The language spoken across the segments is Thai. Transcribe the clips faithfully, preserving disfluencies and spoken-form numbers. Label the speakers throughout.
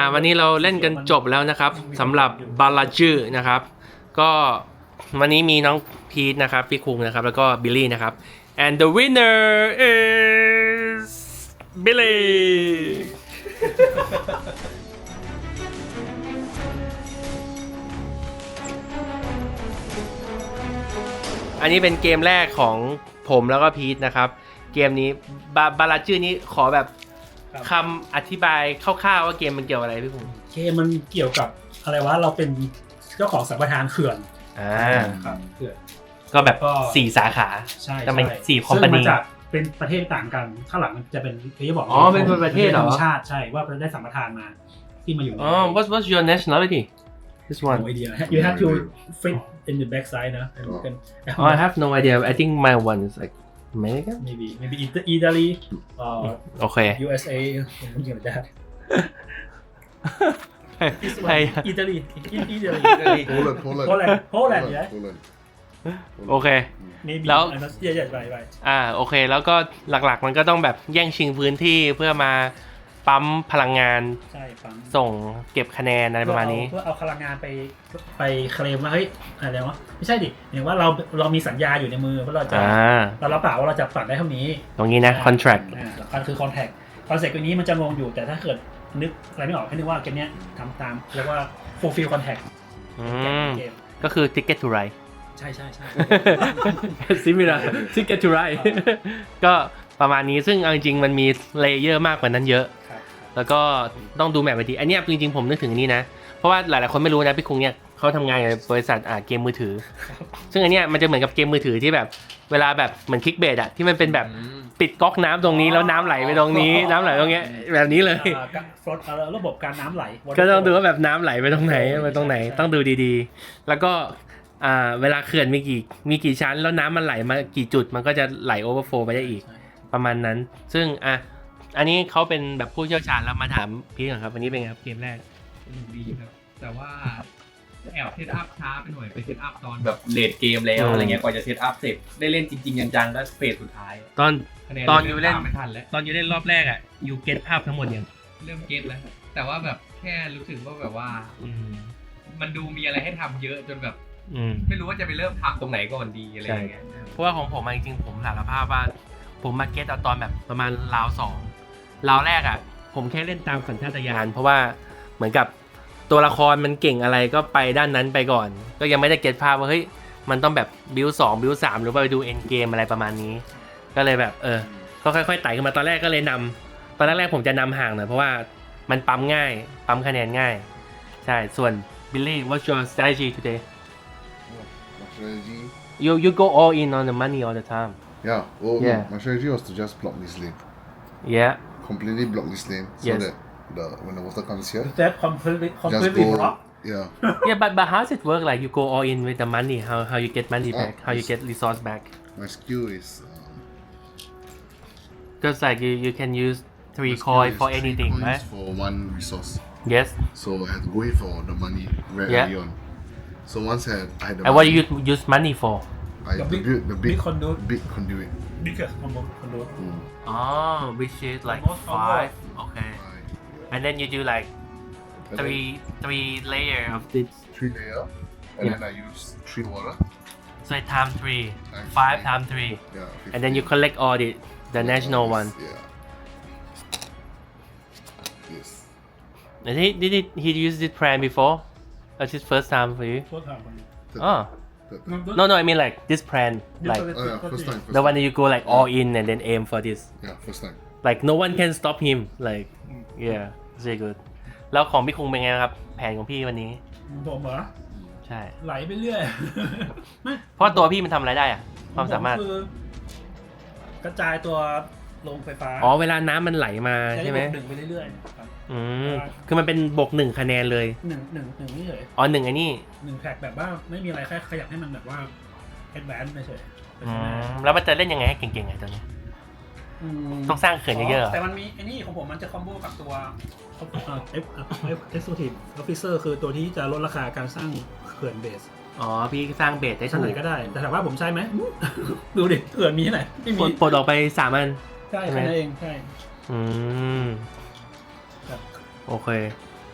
Speaker 1: วันนี้เราเล่นกันจบแล้วนะครับสำหรับบาลาจือนะครับก็วันนี้มีน้องพีทนะครับพี่คุงนะครับแล้วก็บิลลี่นะครับ and the winner is Billy อันนี้เป็นเกมแรกของผมแล้วก็พีทนะครับเกมนี้บาบาลาจือนี้ขอแบบคำอธิบายคร่าวๆว่าเกมมันเกี่ยวอะไรพี่คุง
Speaker 2: เกมมันเกี่ยวกับอะไรวะเราเป็นเจ้าของสัมปทานเขื่อน
Speaker 1: อ่า
Speaker 2: ครับเขื่อน
Speaker 1: ก็แบบสี่สาขา
Speaker 2: ใช่
Speaker 1: แต่มันสี่คอมพานี
Speaker 2: ซึ่งมันจะเป็นประเทศต่างกันข้างหลังมันจะเป็นที่บอก
Speaker 1: อ๋อเป็นประเทศเหรอ
Speaker 2: ชาติใช่ว่าได้สัมปทานมาที่มาอยู่
Speaker 1: อ๋อ what's what's your nationality this one
Speaker 2: no idea you have to fit in the back side นะ
Speaker 1: oh I have no idea I think my one is like America
Speaker 2: maybe maybe Italy uh
Speaker 1: okay
Speaker 2: U S A something like that
Speaker 1: Hey
Speaker 2: Italy Italy
Speaker 3: Poland Poland
Speaker 2: Poland Poland yeah
Speaker 3: Poland
Speaker 1: โอเค
Speaker 2: แล้วใหญ่ๆไป
Speaker 1: ๆอ่าโอเคแล้วก็หลักๆมันก็ต้องแบบแย่งชิงพื้นที่เพื่อมาปั๊มพลังงาน
Speaker 2: ใช่ปั๊ม
Speaker 1: ส่งเก็บคะแนนอะไรประมาณนี้
Speaker 2: เพื่อเอาพลังงานไปไปเคลมว่าเฮ้ยอะไรวะไม่ใช่ดิอย่างว่าเราเรามีสัญญาอยู่ในมือว่าเราจะเรารับปากว่าเราจะปั่นได้เท่านี้
Speaker 1: ตรงนี้นะ contract
Speaker 2: อ่ามันคือ contract contract ตัวนี้มันจะงงอยู่แต่ถ้าเกิดนึกอะไรไม่ออกให้นึกว่าเกมนี้ทำตามเรียกว่า fulfill contract
Speaker 1: อืมก็คือ ticket to ride
Speaker 2: ใช่ใช่ใช่
Speaker 1: similar ticket to ride ก็ประมาณนี้ซึ่งเอาจริงๆมันมีเลเยอร์มากกว่านั้นเยอะแล้วก็ต้องดูแมปไปดีอันนี้จริงๆผมนึกถึงนี่นะเพราะว่าหลายๆคนไม่รู้นะพี่คุงเนี่ยเขาทำงานในบริษัทอ่าเกมมือถือซึ่งอันเนี้ยมันจะเหมือนกับเกมมือถือที่แบบเวลาแบบเหมือนคลิกเบสอะที่มันเป็นแบบปิดก๊อกน้ำตรงนี้แล้วน้ำไหลไปตรงนี้น้ำไหลตรงเนี้ยแบบนี้เลย
Speaker 2: ระบบการน้ำไหล
Speaker 1: ก็ต้องดูว่าแบบน้ำไหลไปตรงไหนไปตรงไหนต้องดูดีๆแล้วก็อ่าเวลาเขื่อนมีกี่มีกี่ชั้นแล้วน้ำมันไหลมากี่จุดมันก็จะไหลโอเวอร์โฟลว์ไปได้อีกประมาณนั้นซึ่งอ่ะอันนี้เขาเป็นแบบผู้เชี่ยวชาญแล้วมาถามพี่ก่อนครับวันนี้เป็นไงครับเกมแรก
Speaker 4: ดีครับแต่ว่าแอบเซตอัพช้าไปหน่อยไปเซตอัพตอนแบบเลทเกมแล้วอะไรเงี้ยกว่าจะเซตอัพเสร็จได้เล่นจริงๆจังๆก็เฟสสุดท้าย
Speaker 1: ตอนตอนอยู่เล่น
Speaker 4: ไม่ทันแล้ว
Speaker 1: ตอนอยู่เล่นรอบแรกอ่ะอยู่เก็ตภาพทั้งหมดยัง
Speaker 4: เริ่มเก็ตแล้วแต่ว่าแบบแค่รู้สึกว่าแบบว่ามันดูมีอะไรให้ทำเยอะจนแบบไม่รู้ว่าจะไปเริ่มทำตรงไหนก่อนดีอะไรอย่างเงี้ย
Speaker 1: เพราะว่าของผมจริงๆผมสารภาพว่าผมมาเก็ตเอาตอนแบบประมาณราวสองราวแรกอ่ะผมแค่เล่นตามสัญชาตญาณเพราะว่าเหมือนกับตัวละครมันเก่งอะไรก็ไปด้านนั้นไปก่อนก็ยังไม่ได้เก็ตภาพว่าเฮ้ยมันต้องแบบบิวสองบิวสามหรือว่าไปดูเอ็นเกมอะไรประมาณนี้ก็เลยแบบเออก็ค่อยๆไต่ขึ้นมาตอนแรกก็เลยนำตอนแรกๆผมจะนำห่างหน่อยเพราะว่ามันปั๊มง่ายปั๊มคะแนนง่ายใช่ส่วน Billy what's your strategy today
Speaker 3: strategy
Speaker 1: you you go all in on the money all the time
Speaker 3: yeah well
Speaker 1: yeah
Speaker 3: my strategy was to just block this lane
Speaker 1: yeah
Speaker 3: completely block this lane so
Speaker 1: yes.
Speaker 3: that the when the water comes here
Speaker 2: that completely completely
Speaker 3: go,
Speaker 2: block
Speaker 3: yeah
Speaker 1: yeah but but how does it work like you go all in with the money how how you get money back oh, how you get resource back
Speaker 3: my skill is
Speaker 1: because um, like you you can use three coin for anything
Speaker 3: three
Speaker 1: right
Speaker 3: for one resource
Speaker 1: yes
Speaker 3: so I had to go in for the money very
Speaker 1: yeah.
Speaker 3: early on so once I had, I had the
Speaker 1: and
Speaker 3: money,
Speaker 1: what do you use money for
Speaker 3: I the big, built the big,
Speaker 2: big conduit
Speaker 3: big conduit
Speaker 2: biggest conduit
Speaker 3: mm.
Speaker 1: oh which is like five okay and then you do like three three layer of this
Speaker 3: three layer and
Speaker 1: yeah.
Speaker 3: then I use three water
Speaker 1: so time three
Speaker 3: times
Speaker 1: five
Speaker 3: three.
Speaker 1: times three
Speaker 3: yeah,
Speaker 1: and then you collect all the the
Speaker 3: yeah,
Speaker 1: national
Speaker 3: yes,
Speaker 1: one
Speaker 3: yeah yes
Speaker 1: and he did it he used this plan before that's his first time for you
Speaker 2: first time for me
Speaker 1: oh no no I mean like this plan like
Speaker 3: oh, yeah, first time, first
Speaker 1: the one
Speaker 3: time.
Speaker 1: that you go like all in and then aim for this
Speaker 3: yeah first time
Speaker 1: like no one can stop him like yeah very good แล้วของพี่คุงเป็นไงครับแผนของพี่วันนี้
Speaker 2: ผมเหรอ
Speaker 1: ใช่
Speaker 2: ไหลไปเรื่อย
Speaker 1: เพราะตัวพี่มันทำอะไรได้อะความสามารถ
Speaker 2: กระจายตัวลงไฟฟ้า
Speaker 1: อ๋อเวลาน้ำมันไหลมาใช่ไหม
Speaker 2: หนึ่งไปเรื่อยๆ
Speaker 1: อืมคือมันเป็นบวกหนึ่งคะแนนเลย
Speaker 2: หนึ่งหนึ่งหนึ่งนี่เฉย
Speaker 1: อ๋อหนึ่งไอ้นี่
Speaker 2: หนึ่งแท็กแบบว่าไม่มีอะไรแค่ขยับให้มันแบบว่าแอดแวนซ์เฉย
Speaker 1: แล้วมันจะเล่นยังไงให้เก่งๆไงตอนนี้ต้องสร้างเขื่อนเยอะๆ
Speaker 2: แต่มันมีไอ้นี่ของผมมันจะคอมโบกับตัวเอฟเอฟเอ็กซ์โซทีฟออฟฟิเซอร์คือตัวที่จะลดราคาการสร้างเขื่อนเบส
Speaker 1: อ๋อพี่สร้างเบสได้ถูก
Speaker 2: ก็ได้แต่ถามว่าผมใช่ไหมดูดิเขื่อนมีที่ไหนไม่มี
Speaker 1: ปลดออกไปสามอัน
Speaker 2: ใช่แค่นั้นเองใช่
Speaker 1: อืมโอเค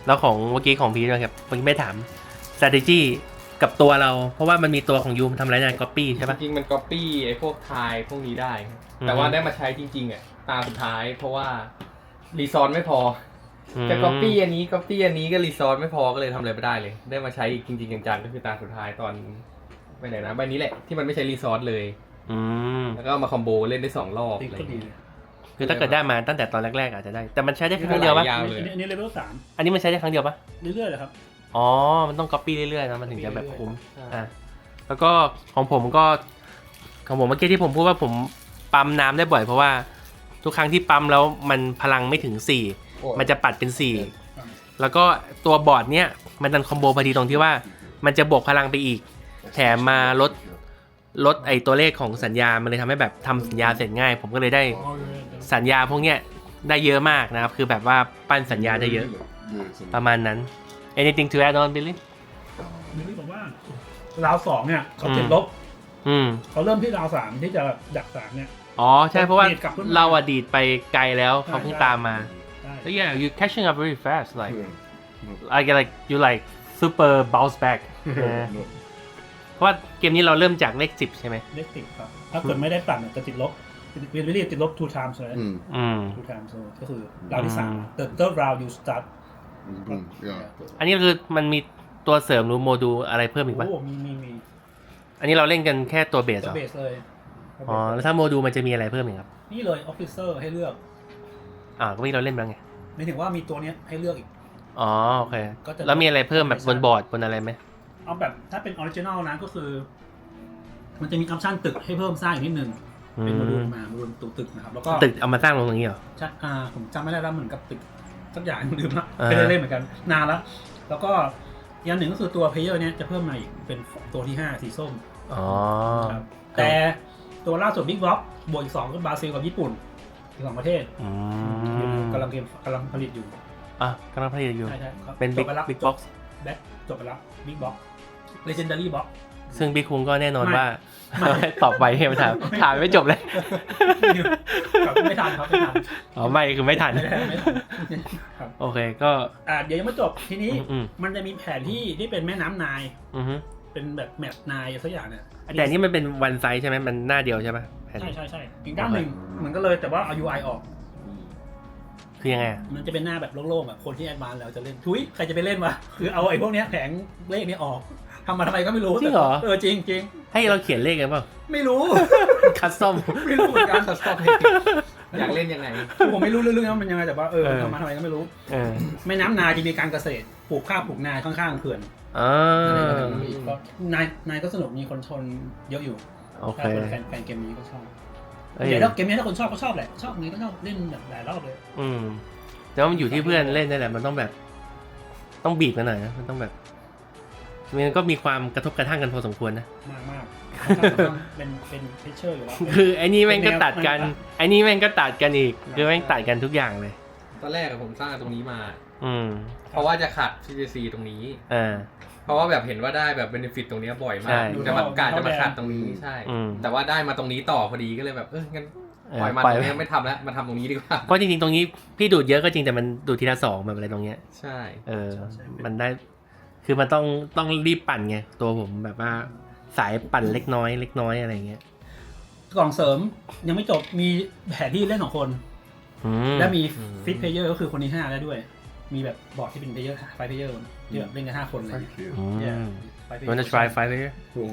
Speaker 1: แล้วของเมื่อกี้ของพีทนะครับเมื่อกี้ไม่ถาม strategy กับตัวเรา เพราะว่ามันมีตัวของยูมทำอะไรนะ copy ใช่ปะ
Speaker 4: จริงๆมันก๊อปปี้ไอ้พวกทายพวกนี้ได้ แต่ว่าได้มาใช้จริงๆอ่ะตาสุดท้าย เพราะว่ารีซอสไม่พอจะก๊อปปี้อันนี้ก๊อปปี้อันนี้ก็รีซอสไม่พอก็เลยทำอะไรไม่ได้เลย ได้มาใช้จริงๆจังๆก็คือตาสุดท้ายตอนไปไหนนะใบนี้แหละที่มันไม่ใช้รีซอสเลย
Speaker 1: อืม
Speaker 4: แล้วก็เอามาคอมโบเล่นได้สองรอบ
Speaker 2: ติ๊ก
Speaker 4: อะไร
Speaker 2: ก็ดี
Speaker 4: เงี้ย
Speaker 1: คือถ้าเกิดได้มาตั้งแต่ตอนแรกๆอาจจะได้ แต่มันใช้ได้ครั้งเดียวปะ
Speaker 4: ยาว
Speaker 2: อัน
Speaker 4: เลย
Speaker 2: นี้อันนี้เลเวลสาม
Speaker 1: อันนี้มันใช้ได้ครั้งเดียวปะ
Speaker 2: เรื่อยๆเลยครับ
Speaker 1: อ๋อ มันต้อง copy เรื่อยๆนะมันถึงจะแบบคุ้ม
Speaker 4: ใช่
Speaker 1: อ่ะแล้วก็ของผมก็ของผมเมื่อกี้ที่ผมพูดว่าผมปั๊มน้ำได้บ่อยเพราะว่าทุกครั้งที่ปั๊มแล้วมันพลังไม่ถึงสี่มันจะปัดเป็นสี่แล้วก็ตัวบอร์ดเนี้ยมันดันคอมโบพอดีตรงที่ว่ามันจะบวกพลังไปอีก แถมมาลดลดไอตัวเลขของสัญญา มันเลยทำให้แบบทำสัญญาเสร็จง่าย ผมก็เลยได้สัญญาพวกเนี้ยได้เยอะมากนะครับ คือแบบว่าปั้นสัญญาได้เยอะ ประมาณนั้น anything to add on Billy
Speaker 2: นี่ผมว่าราวสองเนี่ยเขาติดลบ
Speaker 1: อืม
Speaker 2: เขาเริ่มที่ราวสามที่จะดักสามเนี่ย
Speaker 1: อ๋อใช่เพราะว่า
Speaker 2: ดีดกลับขึ้นมา
Speaker 1: เราอะดีดไปไกลแล้วเขาเพิ่ง
Speaker 2: ใช่
Speaker 1: ตามมา
Speaker 2: ได้
Speaker 1: แล้ว yeah you catching up very fast like
Speaker 3: Yeah.
Speaker 1: I get like you like super bounce back เออ
Speaker 3: No.
Speaker 1: เพราะว่าเกมนี้เราเริ่มจากเลขสิบใช่ไหม
Speaker 2: เลขติดครับ ถ้าเกิดไม่ได้ปั่นเนี่ยจะติดลบวิลลี่ติดลบ two times เลย
Speaker 3: Mm.
Speaker 1: อืม
Speaker 2: two times เลยก็คือราวที่สาม
Speaker 1: อืม
Speaker 2: the third round you start
Speaker 3: Boom. Yeah.
Speaker 1: อันนี้คือมันมีตัวเสริมหรือโมดูลอะไรเพิ่มอีกปะ
Speaker 2: โอ้มีมีมี
Speaker 1: อันนี้เราเล่นกันแค่ตัวเบส
Speaker 2: ตั
Speaker 1: เหร
Speaker 2: ว
Speaker 1: อ
Speaker 2: เบสเลย
Speaker 1: อ๋อแล้วถ้าโมดูลมันจะมีอะไรเพิ่มอีกครับ
Speaker 2: นี่เลย officer ให้เลือก
Speaker 1: อ่าก็มีเราเล่นบ้างไง
Speaker 2: หมายถึงว่ามีตัวเนี้ยให้เลือกอีก
Speaker 1: อ๋อโอเค
Speaker 2: ก็จะ
Speaker 1: แล้วมีอะไรเพิ่มแบบบนบอร์ดบนอะไรไหม
Speaker 2: เอาแบบถ้าเป็นออริจินอลนะก็คือ มันจะมีออปชั่นตึกให้เพิ่มสร้างอีกนิดนึง เป็นโมดูลมาโมดูลตัวตึกนะครับ แล้วก็
Speaker 1: ตึกเอามาสร้างลงตรงนี้เหรอ
Speaker 2: ใช่อ่าผมจำไม่ได้แล้วเหมือนกับตึกสักอย่างลืมละ
Speaker 1: อ่า
Speaker 2: ไม่ได้เล่นเหมือนกันนานแล้ว แล้วก็อีกอย่างหนึ่งก็คือตัวเพลเยอร์เนี้ยจะเพิ่มมาอีกเป็นตัวที่ห้าสีส้ม
Speaker 1: อ๋อ
Speaker 2: ครับแต่ตัวล่าสุดบิ๊กบ็อกบวกอีกสองก็บราซิลกับญี่ปุ่นอีกสองประเทศ
Speaker 1: อืม
Speaker 2: กำลังเกมกำลังผลิตอยู่
Speaker 1: อ่ะกำลังผลิตอยู่
Speaker 2: ใช่ใช่ครับ
Speaker 1: เป็น
Speaker 2: จ
Speaker 1: บิ๊ก
Speaker 2: ไปแล้ว
Speaker 1: บิ๊กบ็อกซ์
Speaker 2: แบ็คจบไปแล้วบิ๊กบ็อกเลเจนดารี่บ็อก
Speaker 1: ซึ่งบิ๊กคุงก็แน่นอน
Speaker 2: ไม่
Speaker 1: ว่า
Speaker 2: ไม่
Speaker 1: ตอบไปให้มาถามถามไม่จบเลย
Speaker 2: ไม่ทันครับไม่ทัน
Speaker 1: อ๋อไม่คือไม่ทัน
Speaker 2: ไม่ทันไม่ทันครับ
Speaker 1: โอเคก็
Speaker 2: อ่าเดี๋ยวยังไม่จบทีนี้
Speaker 1: อืม
Speaker 2: มันจะมีแผนที่ที่เป็นแม่น้ำนาย
Speaker 1: อือฮึ
Speaker 2: เป็นแบบแมปนายสักอย่างเนี่ย
Speaker 1: แต่อันนี่มันเป็นวันไซส์ใช่ไหมมันหน้าเดียวใช่ไหมแผ่น
Speaker 2: ใช่ใช่ใช่อีกด้านหนึ่งเหมือนกันเลยแต่ว่าเอา ยู ไอ ออก
Speaker 1: คือยังไงอะ
Speaker 2: มันจะเป็นหน้าแบบโล่งๆแบบคนที่แอดวานซ์แล้วจะเล่นทุยใครจะไปเล่นวะคือเอาไอ้พวกเนี้ยแผงเลขนี้ออกทำมาทำไมก็ไม่รู้
Speaker 1: จริงเหรอ
Speaker 2: เออจริงจริง
Speaker 1: ให้เราเขียนเลขกันเปล่า
Speaker 2: ไม่รู้
Speaker 1: คัสตอม
Speaker 2: ไม่รู้เหมือนกัน
Speaker 4: คัสตอมอยากเล่นยังไง
Speaker 2: ผมไม่รู้เรื่องๆว่ามันยังไงแต่ว่าเออ
Speaker 1: เออ
Speaker 2: ทำมาทำไมก็ไม่รู้
Speaker 1: เออ
Speaker 2: แม่น้ำนายจะมีการเกษตรปลูกข้าวปลูกนาข้างๆเขื่อน
Speaker 1: อ่า
Speaker 2: อะไรแบบนี้ก็นายนายก็สนุกมีคนชนเยอะอยู่
Speaker 1: โอเค
Speaker 2: ถ้าคนแฟนแฟนเกมนี้ก็ชอบ
Speaker 1: เอ้ย
Speaker 2: เดี๋ยวถ้าเกมนี้ถ้าคนชอบก็ชอบแหละชอบนี้ก็ชอบเล่นแบบหลายรอบเลย
Speaker 1: อืมแต่ว่ามันอยู่ที่เพื่อนเล่นนี่แหละมันต้องแบบ ต้องบีบกันหน่อยนะมันต้องแบบมันก็มีความกระทบกระทั่งกันพอสมควรนะ
Speaker 2: มากมากเป็นเป็นเพชเชอร์อยู่แล้ว
Speaker 1: คือไอ้นี่แม่งก็ตัดกัน
Speaker 2: แนว
Speaker 1: ไอ้นี่แม่งก็ตัดกันอีกคือแม่งตัดกันทุกอย่างเลย
Speaker 4: ตอนแรกอะผมสร้างตรงนี้มา
Speaker 1: อืม
Speaker 4: เพราะว่าจะขัด ซี เจ ซี ตรงนี้
Speaker 1: อ่า
Speaker 4: เพราะว่าแบบเห็นว่าได้แบบเบนฟิตตรงเนี้ยบ่อยมา
Speaker 1: ใช่
Speaker 4: กจะมากาจะมาขัดตรงนี้ใช่
Speaker 1: อืม
Speaker 4: แต่ว่าได้มาตรงนี้ต่อพอดีก็เลยแบบเอองั้น
Speaker 1: เออ
Speaker 4: ปล่อยมัน
Speaker 1: ปล่อย
Speaker 4: ตรงนี้ไม่ทำแล้วมาทำตรงนี้ดีกว่า
Speaker 1: เพราะจริงๆตรงนี้พี่ดูดเยอะก็จริงแต่มันดูดทีละสองแบบอะไรตรงเนี้ย
Speaker 4: ใช่
Speaker 1: เออ มันได้ คือมันต้องต้องรีบปั่นไงตัวผมแบบว่าสายปั่นเล็กน้อยเล็กน้อยอะไรเงี้ย
Speaker 2: กล่องเสริมยังไม่จบมีแผนที่เล่นสองคน
Speaker 1: อืม
Speaker 2: และมีฟิตเพลเยอร์ก็คือคนที่ห้าได้ด้วย มีแบบบอร์ดที่เป็นเพลเยอร์ไฟเพลเยอร์ที่แบบเล่นกันห้าคนเลย
Speaker 3: Thank you.
Speaker 1: อืม
Speaker 2: Yeah.
Speaker 1: You wanna try five here
Speaker 3: Oh.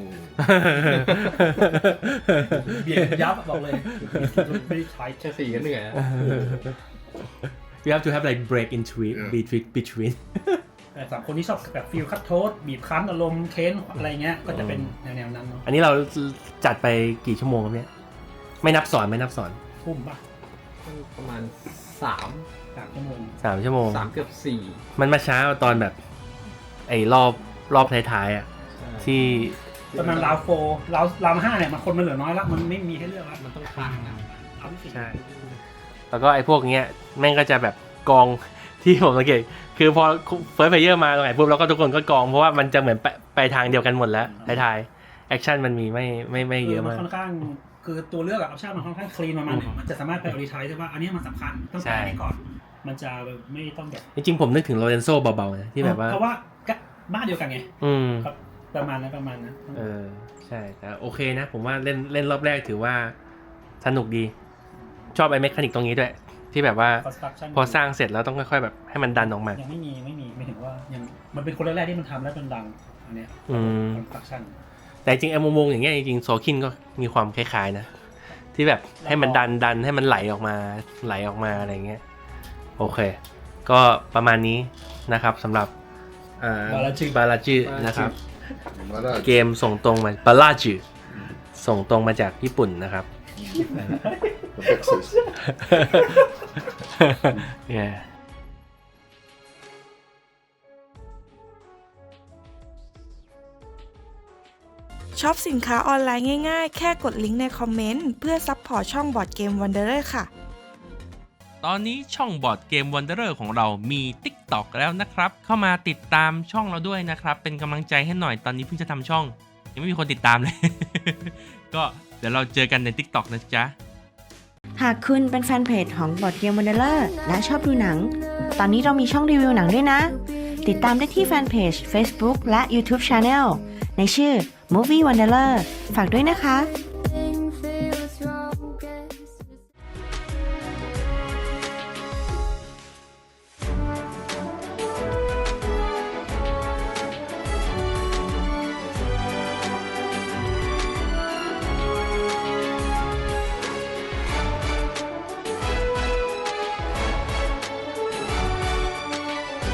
Speaker 2: เบียดยับบอกเลยไม่ได้ใช้
Speaker 4: แค่สี่ก็เหนื่อยอะ
Speaker 1: You have to have like break into it
Speaker 3: Yeah.
Speaker 1: between between
Speaker 2: แต่สามคนที่ชอบแบบฟิลคัตโทสบีบคั้นอารมณ์เค้นอะไรเงี้ยก็จะเป็นแนวๆนั้นเนาะ
Speaker 1: อันนี้เราจัดไปกี่ชั่วโมงครับเนี่ยไม่นับสอนไม่นับสอน
Speaker 2: ทุ่มป่ะ
Speaker 4: ประมาณสาม
Speaker 2: สามชั่วโมง
Speaker 1: สามชั่วโมง
Speaker 4: สามเกือบสี่
Speaker 1: มันมาช้าตอนแบบ ไอ้รอบรอบท้ายๆอ่ะ
Speaker 4: ใช่
Speaker 1: ที่
Speaker 2: ประมาณราวโฟร์ราวราวห้าเนี่ยมันคนมันเหลือน้อยละมันไม่มีให้เลือกละ
Speaker 4: มันต้องค้างนะ
Speaker 2: ราวที่สี่
Speaker 1: ใช่ แล้วก็ไอ้พวกเนี้ยแม่งก็จะแบบกอง ที่ผมสังเกตคือพอเฟิร์สเพลเยอร์มาตรงไหนปุ๊บแล้วก็ทุกคนก็กองเพราะว่ามันจะเหมือนไปไปทางเดียวกันหมดแล้วท้ายๆแอคชั่นมันมีไม่ไม่ไม่เยอะมาก
Speaker 2: ค่อนข้างคือตัวเลือกอะออปชั่นมันค่อนข้างคลีนประมาณหนึงมันจะสามารถไปออริทายได้ว่าอันนี้มันสำคัญต้องการอันนี้ก่อนมันจะไม่ต้องแบบ
Speaker 1: จริงๆผมนึกถึงโลเรนโซเบาๆนะที่แบบว่า
Speaker 2: เพราะว่าก็บ้านเดียวกันไง
Speaker 1: อืม
Speaker 2: ครับประมาณนั้นประมาณนั้น
Speaker 1: เออใช่แต่โอเคนะ ผมว่าเล่นเล่นรอบแรกถือว่าสนุกดี ชอบไอ้เมคานิกตรงนี้ด้วย ที่แบบว่า
Speaker 2: construction
Speaker 1: พอสร้างเสร็จแล้วต้องค่อยๆแบบให้มันดันออกมา
Speaker 2: ยังไม่มีไม่มีไม่ถึงว่ายังมันเป็นคนแรกๆที่มันทำแล้วมันดังอันเนี้ย
Speaker 1: อืม
Speaker 2: construction
Speaker 1: แต่จริงไอ้วงๆอย่างเงี้ยจริงๆโซคินก็มีความคล้ายๆนะ ที่แบบให้มันดันดันให้มันไหลออกมาไหลออกมาอะไรเงี้ยโอเค ก็ประมาณนี้นะครับสำหรับอ่า
Speaker 2: บาลาจิ
Speaker 1: บาลาจินะครับ
Speaker 3: Maraj.
Speaker 1: เกมส่งตรงมาบาลาจิส่งตรงมาจากญี่ปุ่นนะครับ
Speaker 3: The Texas.
Speaker 1: yeah.
Speaker 5: ช็อปสินค้าออนไลน์ง่ายๆ แค่กดลิงก์ในคอมเมนต์เพื่อซัพพอร์ตช่องบอร์ดเกมวันเดอร์ค่ะ
Speaker 1: ตอนนี้ช่องบอร์ดเกม Wanderer ของเรามี TikTok แล้วนะครับ เข้ามาติดตามช่องเราด้วยนะครับ เป็นกำลังใจให้หน่อยตอนนี้เพิ่งจะทำช่อง ยังไม่มีคนติดตามเลย ก็เดี๋ยวเราเจอกันใน TikTok นะจ๊ะ
Speaker 6: หากคุณเป็นแฟนเพจของบอร์ดเกมวันเดอร์และชอบดูหนัง ตอนนี้เรามีช่องรีวิวหนังด้วยนะ ติดตามได้ที่แฟนเพจ Facebook และ YouTube Channel ในชื่อ Movie Wanderer ฝากด้วยนะคะ